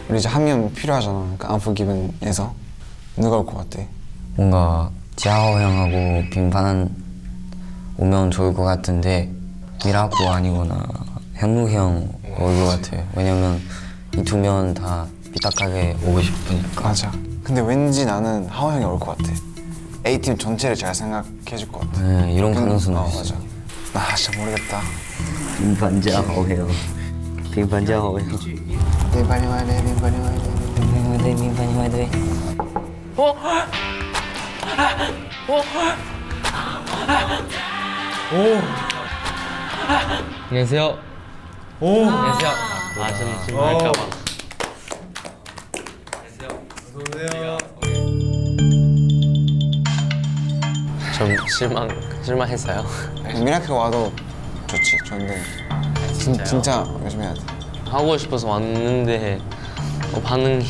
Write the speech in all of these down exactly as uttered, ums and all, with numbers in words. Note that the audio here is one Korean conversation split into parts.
우리 이제 한 명 필요하잖아. 그러니까 안포기븐에서 누가 올 것 같아? 뭔가 지하오 형하고 빙판 오면 좋을 것 같은데 미라코 아니거나 현묵 형 올 것 같아요. 왜냐면 이 두 명 다 삐딱하게 오고 싶으니까. 맞아. 근데 왠지 나는 하오 형이 올 것 같아. A팀 전체를 잘 생각해 줄 것 같아. 네, 이런 가능성도 어, 있어요. 맞아. 나 진짜 모르겠다. 빙판 지하오 형. 빙판 지하오 형. 빈판이 와야 돼, 빈판이 와야 돼. 빙판이 돼, 빙판이 와야 돼. 어? 어? 오. 안녕하세요. 오. 안녕하세요. 아, 저는 지금 할까봐. 안녕하세요. 좀 실망 실망했어요. 미라클 와도 좋지. 좋은데 진, 진짜 열심히 해야 돼. 하고 싶어서 왔는데 어, 반응이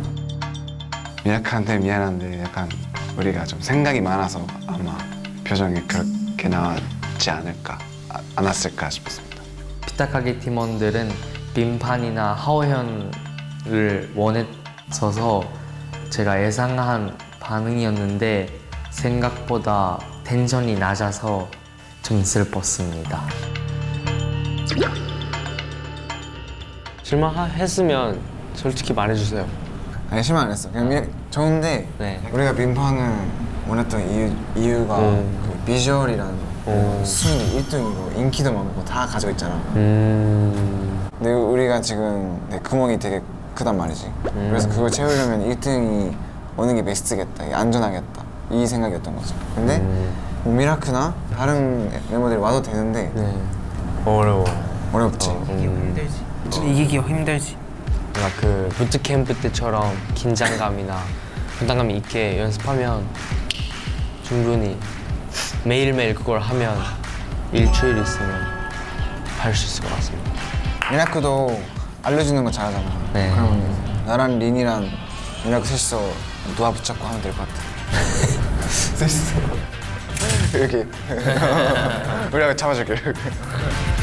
미라클한테 미안한데 약간 우리가 좀 생각이 많아서 아마 표정이 그렇게 나왔지 않을까, 아, 않았을까 싶습니다. 피타카게 팀원들은 빈판이나 하오현을 원했어서 제가 예상한 반응이었는데 생각보다 텐션이 낮아서 좀 슬펐습니다. 실망했으면 솔직히 말해주세요. 아니 실망 안 했어. 그냥 미, 좋은데 네. 우리가 민판을 원했던 이유, 이유가 음. 그 비주얼이랑 음. 순위 일 등이고 인기도 많고 다 가지고 있잖아. 음. 근데 우리가 지금 내 구멍이 되게 크단 말이지. 음. 그래서 그걸 채우려면 일 등이 오는 게 베스트겠다, 이게 안전하겠다 이 생각이었던 거지. 근데 음. 뭐 미라크나 다른 멤버들이 와도 되는데 네. 어려워. 어렵지. 음. 이기기가 힘들지. 뭔가 그 부트캠프 때처럼 긴장감이나 부담감이 있게 연습하면 충분히 매일매일 그걸 하면 일주일 있으면 할 수 있을 것 같습니다. 미라크도 알려주는 거 잘하잖아. 네. 그러면 나랑 린이랑 미라크 셋이서 누아 붙잡고 하면 될 것 같아. 셋이서 이렇게 우리가 잡아줄게. 이렇게.